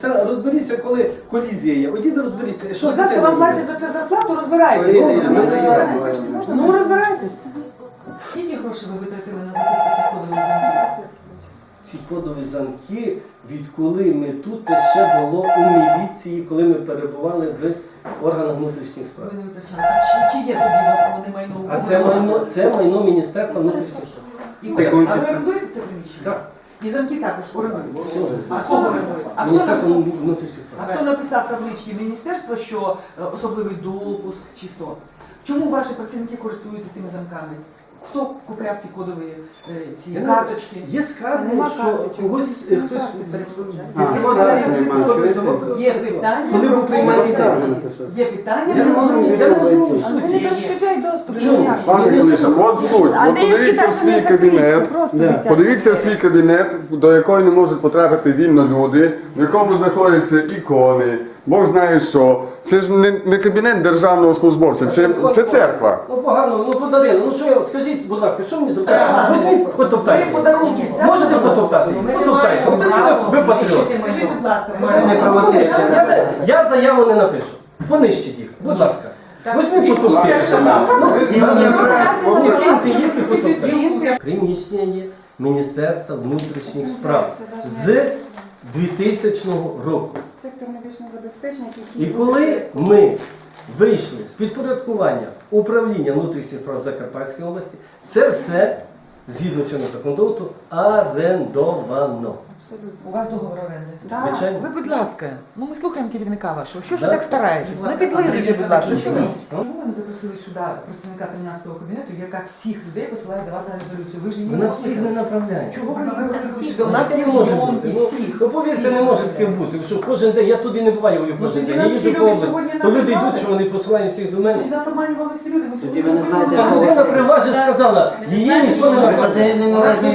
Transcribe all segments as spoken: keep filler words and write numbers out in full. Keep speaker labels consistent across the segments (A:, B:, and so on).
A: Це розберіться, коли колізія є. Одіть розберіться. Що
B: Будь ласка, вам платять за це зарплату, розбирайтесь. Ну, розбирайтесь. Скільки грошей ви витратили на закупку цих кодових замків?
A: Ці кодові замки, відколи ми тут, те ще було у міліції, коли ми перебували в органах внутрішніх справ.
B: Ви не витрачали. А чи, чи є тоді вони майно у
A: А це майно, це майно Міністерства внутрішніх справ.
B: І ви- А ви орендуєте це приміщення?
A: Так.
B: І замки також орендуєте?
A: Все.
B: А хто орендує? А хто
A: Міністерство
B: написав-
A: внутрішніх
B: А
A: справ.
B: хто написав таблички міністерства, що е, особливий допуск чи хто? Чому ваші працівники користуються цими замками? Хто купляв ці кодові е, ці
A: Я не-
B: карточки?
A: Є скарги,
B: Нема
A: що
B: карточок.
A: когось
B: Нема
A: хтось
B: карточок.
A: відкривав
C: нема,
A: кодовий
C: чуєте?
A: замок.
B: Є питання,
A: Коли
B: про
A: був приймальний
B: кодові
A: день.
B: замки. Є питання,
A: Я не
B: про
A: розумію, я не розумію
C: А
A: суті.
D: Вони не перешкоджають доступ.
A: В чому?
C: Пане Клишик, от суть.
D: А
C: От
D: деякі
C: подивіться в
D: навіть
C: свій
D: не
C: кабінет.
D: закриті, просто
A: Да.
D: висять.
C: Подивіться в свій кабінет, до якої не можуть потрапити вільно люди, в якому знаходяться ікони. Бог знає що. Це ж не, не кабінет державного службовця, це, це церква.
A: Ну погано, ну подарили. Ну що я, скажіть, будь ласка, що мені зробити? Візьміть, потоптайте.
B: Ви подарунки взяли?
A: Можете потоптати? Потоптайте. От тоді ви, ви патріот.
B: Скажіть, будь ласка,
A: Я,
B: подарунки.
A: не- я заяву не напишу. Понищіть їх, будь ласка. Візьміть потоптайте. Не киньте їх і потоптайте. Приміщення є Міністерства внутрішніх справ з двохтисячного року.
D: Сектор медичного забезпечення,
A: І
D: який
A: коли ми вийшли з підпорядкування управління внутрішніх справ Закарпатської області, це все, згідно чинного законодавства, орендовано.
B: У вас договор оренди?
A: Звичайно.
B: Ви, будь ласка, ну ми слухаємо керівника вашого. Що ж ви
A: Да.
B: так стараєтесь? Не підлизуйте, будь ласка, сидіть.
A: Ну.
B: Чому ви не запросили сюди працівника тринадцятого кабінету, яка всіх людей посилає до вас на резолюцію? Ви ж її
A: Вона
B: не
A: всіх не
B: виконали.
A: направляє.
B: Чого ви її не виконали сюди? У
A: Ну,
B: нас
A: таке
B: є
A: не може
B: зйомки,
A: бути. Ну,
B: всіх.
A: Ну, повірте, не може таке бути, що кожен день, я туди не буваю
B: Ну,
A: кожен
B: тоді
A: день,
B: нам
A: я
B: всі
A: їжджу по
B: люди
A: області,
B: сьогодні
A: то люди
B: набрали.
A: йдуть, що вони посилають всіх до мене.
B: Тоді нас обманювали всі люди. Ми
C: Тоді
B: сьогодні
C: ви не знаєте,
B: виконали.
C: що ви-
A: Галина при вас же сказала, її ніхто не
C: Ви
A: направляє.
C: не належні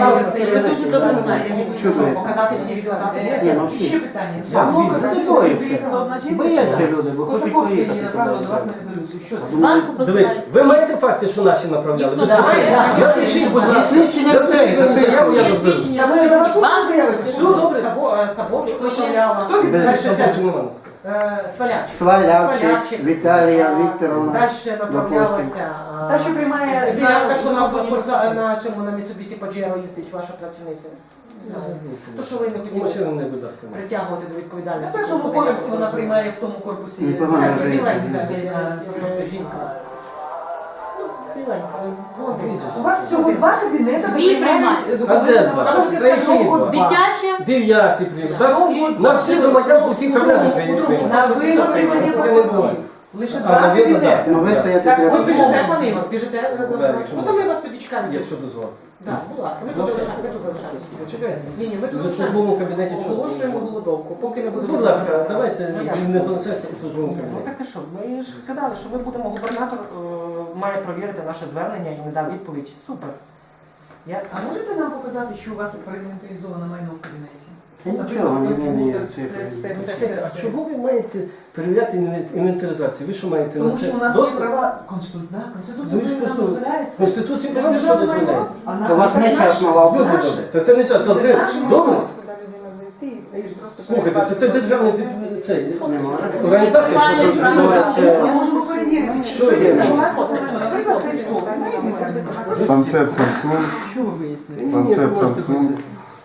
C: чужі.
E: Показати всі відеозаписи.
C: Ні, ну
B: І
C: всі.
B: ще питання.
A: Я
B: Самого
A: відео.
B: Косаковської приїхала одна жінка.
C: Бояться люди, бо хочуть
B: Косаковська її
C: поїхати.
B: направила до вас на резолюцію. Що це?
E: Банку
A: Дивіться,
E: посилають.
A: ви маєте факти, що наші направляли?
E: Ніхто
A: Без
E: не
A: питань.
E: має.
A: Я пишіть, будь ласка.
C: Свідчення
A: Я
C: людей
A: пишіть мені заяву, я
E: Є
A: розберу.
E: свідчення.
B: Та ви зараз
E: Банк
B: заявите.
A: Все добре.
E: Сабовчик направляла.
B: Хто від
C: Без
B: далі?
A: Що нема?
E: Е, Свалявчик.
C: Свалявчик, Віталія Вікторовна.
E: Далі направлялася. а,
B: Та, що приймає
E: Білянка,
B: на-
E: що на, на, на цьому на Mitsubishi Pajero їздить ваша працівниця. Не знаю. То, що ви не хотіли
A: Машину не, будь ласка.
E: притягувати до
B: На
E: відповідальності.
B: першому поверсі вона приймає в тому корпусі.
C: Непогано
B: скарги.
C: вже.
E: Біленька,
B: Де на-
E: біленька жінка. Ну, біленька. Вон
B: У вас всього два кабінети,
E: Дві приймають.
A: А
B: документи
A: де
B: на
A: два?
B: вас.
A: Та які два?
E: Дитяче.
A: Дев'ятий прийом. Так, на всі громадян по всіх кабінетах прийняли.
B: На виготовлення паспортів. Лише
A: А,
B: два
A: на виготовлення.
B: кабінети.
C: Ну ви стояти
B: Так,
C: треба.
B: от
E: Ви біжите, пане Ігор, біжите.
A: Да, якщо
E: Ну, то ми вас тоді чекаємо.
A: Якщо дозволите.
E: Так, будь ласка, ми тут залишаємо, ми тут залишаємося.
A: Почекайте.
E: Ні, ні, ми тут
A: Ви в службовому кабінеті чого?
E: оголошуємо голодовку, поки не буде.
A: Будь ласка, давайте не залишайтеся у службовому
F: Ну
A: кабінеті.
F: так і що? Ми ж казали, що ми будемо, губернатор е, має провірити наше звернення і не дав відповідь. Супер. Я...
B: А можете нам показати, що у вас проінвентаризовано майно в кабінеті?
C: Та нічого, ні, ні, ні.
B: Це все, все, все,
A: Чекайте, а
B: все.
A: чого ви маєте перевіряти інвентаризацію? Ви що маєте
B: Тому
A: на це
B: що у нас є
A: доступ?
B: права Конституція, да, Конституція
A: Ну,
B: нам
A: просто
B: дозволяється.
A: Конституція
B: Це ж
A: вам що
B: державне
A: дозволяє?
B: майно. А на-
C: У вас
B: це
C: не
B: наше.
C: частного
A: Люди
C: авто.
A: добре. Та це не це, то
B: Це
A: це
B: наше
A: добре.
B: майно.
D: куди людина зайти і просто
A: Слухайте, це, це державний від- цей,
C: Не може.
A: організація, що
E: Правильно,
A: конституція.
B: Ми можемо перевірити,
A: Що
B: що
A: є?
B: є інформація, це майно. Наприклад, цей стол.
C: Планшет Samsung,
B: Що ви вияснили?
A: Ні, ні, то можете
C: Samsung.
A: писати.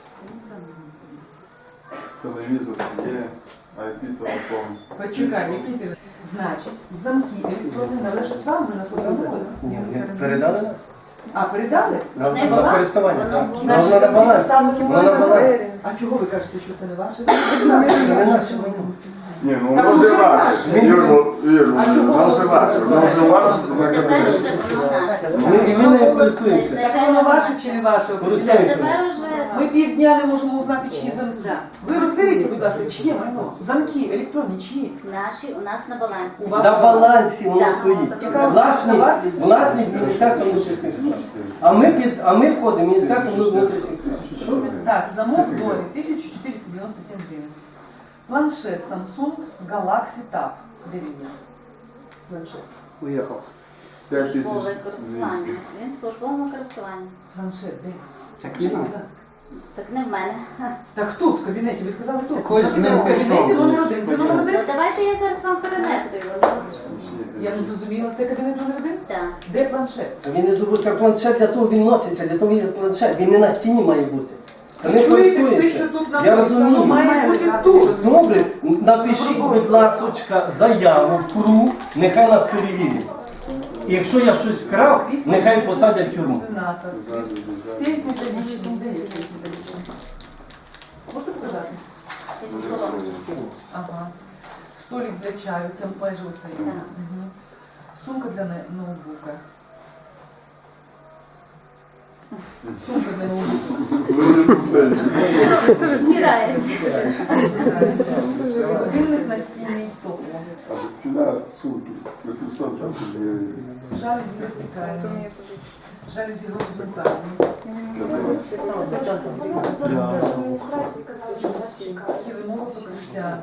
C: телевізор є, ай пі-телефон.
B: Почекай, який ти? Значить, замки електронні належать вам, ви нас отримали?
A: Ні, ні, передали нас?
B: А, передали?
A: На
E: Вони
A: на
E: була-
A: користування,
E: воно
A: так.
E: було.
A: Вона
B: Значить,
A: на
B: замки
A: балансі.
B: поставники
A: Вона на
B: можна
A: балансі.
B: перевірити. А чого ви кажете, що це не ваше?
A: Це не наше майно.
C: Ні, ну
B: Так
C: воно
B: уже
C: вже ваше.
B: ваше.
C: Юрко, Юрко,
B: А чому
C: воно вже
B: воно
C: ваше. Воно вже у вас на
E: Тепер
C: кабінеті.
E: вже воно наше.
A: Ми, і ми не користуємося.
B: Так воно ваше чи не ваше?
A: Користуємося.
E: Тепер вже...
B: Ми півдня не можемо узнати, чиї замки.
E: Да.
B: Ви розберіться, будь ласка, чиє майно? Замки електронні, чиї?
E: Наші у нас на балансі.
B: У вас
A: На балансі воно
E: Так.
A: стоїть.
B: Яка
A: Власність,
B: вартість?
A: власність Міністерства внутрішніх справ. А ми, під, а ми входимо в Міністерство внутрішніх справ. Що ви?
B: Так, замок Дори, тисяча чотириста дев'яносто сім гривень. Планшет Samsung Galaxy Tab. Де він є? Планшет.
C: Уїхав. п'ять тисяч
E: Службове
C: двісті.
E: користування. Він в службовому користуванні.
B: Планшет, де?
C: Так
B: Скажіть,
C: нема.
B: будь ласка.
G: Так не в мене.
B: Так тут, в кабінеті, ви сказали тут.
C: ось
B: Написано,
C: з ним
B: в кабінеті
C: пішов.
B: номер один. Це номер
G: Ну
B: один?
G: давайте я зараз вам перенесу його.
B: Я не зрозуміла, це кабінет номер один?
G: Так.
B: Де планшет?
A: А він не забудь, як планшет, для того він носиться, для того він є планшет, він не на стіні має бути. Та не
B: Чуєте, все,
A: користується.
B: що тут
A: Я
B: написано,
A: розумію.
B: має бути тут.
A: Добре, напишіть, будь ласочка, заяву в КРУ, нехай нас перевірять. І якщо я щось вкрав, нехай посадять в тюрму.
B: Сенатор. Сейф методичний. Де є сейф методичний? Можете показати?
G: Під столом.
B: Ага. Столик для чаю, це майже оцей.
G: Так.
B: Мгм. Сумка для не- ноутбука. Сумка для ноутбука.
G: Стирається.
B: Годинник настільний стол.
C: Ціна сумки вісімсот двадцять гривень.
B: Жалюзі вертикальні. Жалюзі горизонтальні. Килимове покриття.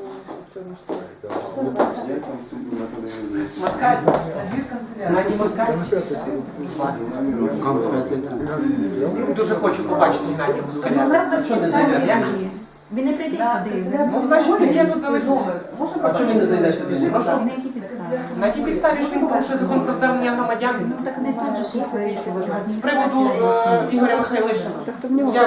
F: Москаль.
B: Набір канцелярії.
F: Геннадій Москаль. Дуже хочу побачити Геннадія Москаля.
G: Він не прийде сюди.
F: Ну, значить, я тут залишу.
B: Можна
A: А чому ви не зайдете?
F: Прошу.
G: На які підстави?
F: На тій підставі, що він порушує закон про звернення громадян
G: Ну так не тут же ж їх вирішувати.
F: з приводу е, Ігоря Михайлишина.
D: Тобто в нього
F: Я